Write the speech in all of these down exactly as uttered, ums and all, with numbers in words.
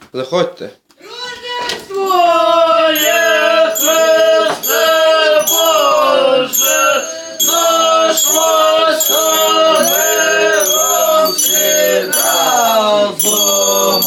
Заходьте. Твоє Христе Боже, нашлося миром всі разом,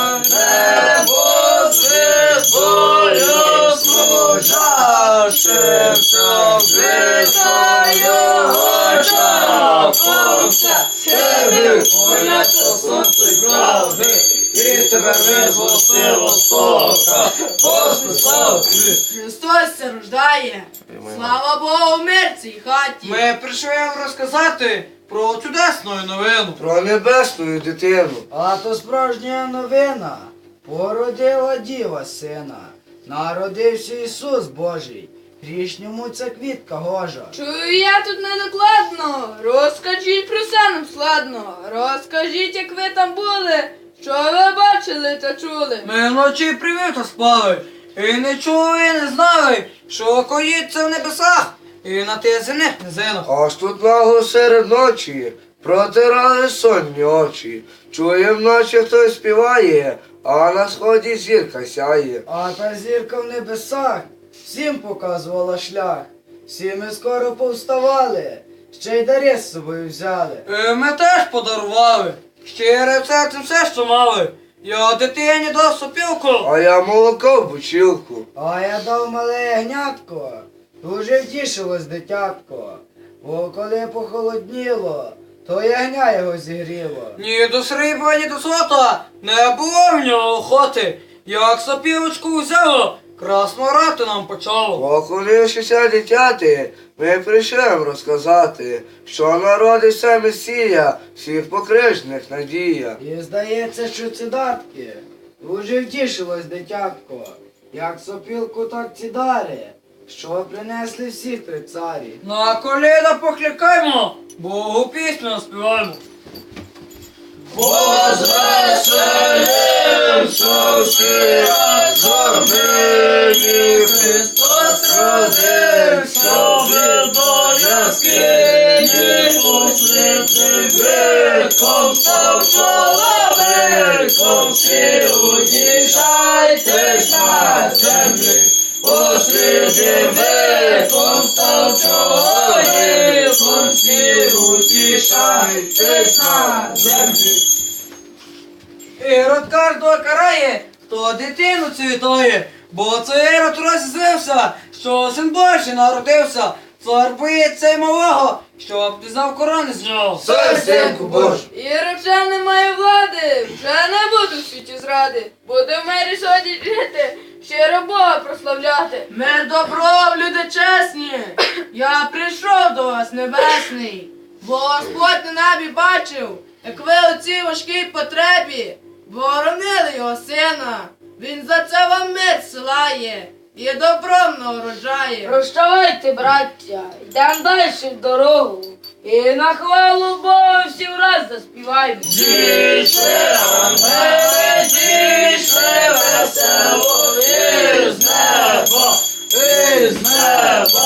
небо звіздою служащим, Христа його чапався, тебе поняття сонце правди, і тебе визвостило сока, Господи, слава Тобі. Христос се рождає. Слава Богу, в мир цій хаті. Ми прийшли вам розказати про чудесну новину. Про небесну дитину. А то справжня новина. Породила діва сина. Народився Ісус Божий. Грішньому ця квітка гожа. Чую я тут недокладно. Розкажіть про все нам складно. Розкажіть, як ви там були, що ви бачили та чули. Ми вночі привіта спали, і не чули, і не знали, що коїться в небесах, і на тих земних низинах. Аж тут нагло серед ночі протирали сонні очі. Чує вночі хтось співає, а на сході зірка сяє. А та зірка в небесах всім показувала шлях. Всі ми скоро повставали, ще й дари з собою взяли. І ми теж подарували, щире серцем все, що мали. Я дитині дав сопілку, А я молоко в бучілку. А я дав мале ягнятко, дуже втішилось дитятко. Бо коли похолодніло, то ягня його зігріло. ні до срібла, ні до злота, не було в нього охоти. Як сопілочку взяло, красно грати нам почало. Поклонившися дитяти, ми прийшли вам розказати, що народився Месія, всіх покрижних надія. І здається, що ці датки дуже втішилось дитятко. Як сопілку, так ці дари, що принесли всі три царі. На коліна покликаймо, Богу пісню співаємо. Возвеселимся всі разом, нині Христос родився, до яскині посвятим віком став чоловіком, всі утішайтесь на землі. Посліднім віком став чоловіком, всі утішайтесь на землі. Ірод кожного карає, хто дитину цвітає, бо це Ірод розізлився, що син Божий народився. Цар боїться й малого, щоб пізнав корони з нього. Цар синку Божий. Іра вже не має влади, вже не буду в світі зради. Буде в мирі сьогодні жити, щиро Бога прославляти. Мир добро, люди чесні, я прийшов до вас, небесний, бо Господь на небі бачив, як ви у цій важкій потребі боронили його сина. Він за це вам мир силає і добром нагороджає. Прощавайте, браття, йдемо далі в дорогу. І на хвалу Бога всі враз заспіваємо. Зійшли ангели, зійшли весело із неба, із неба.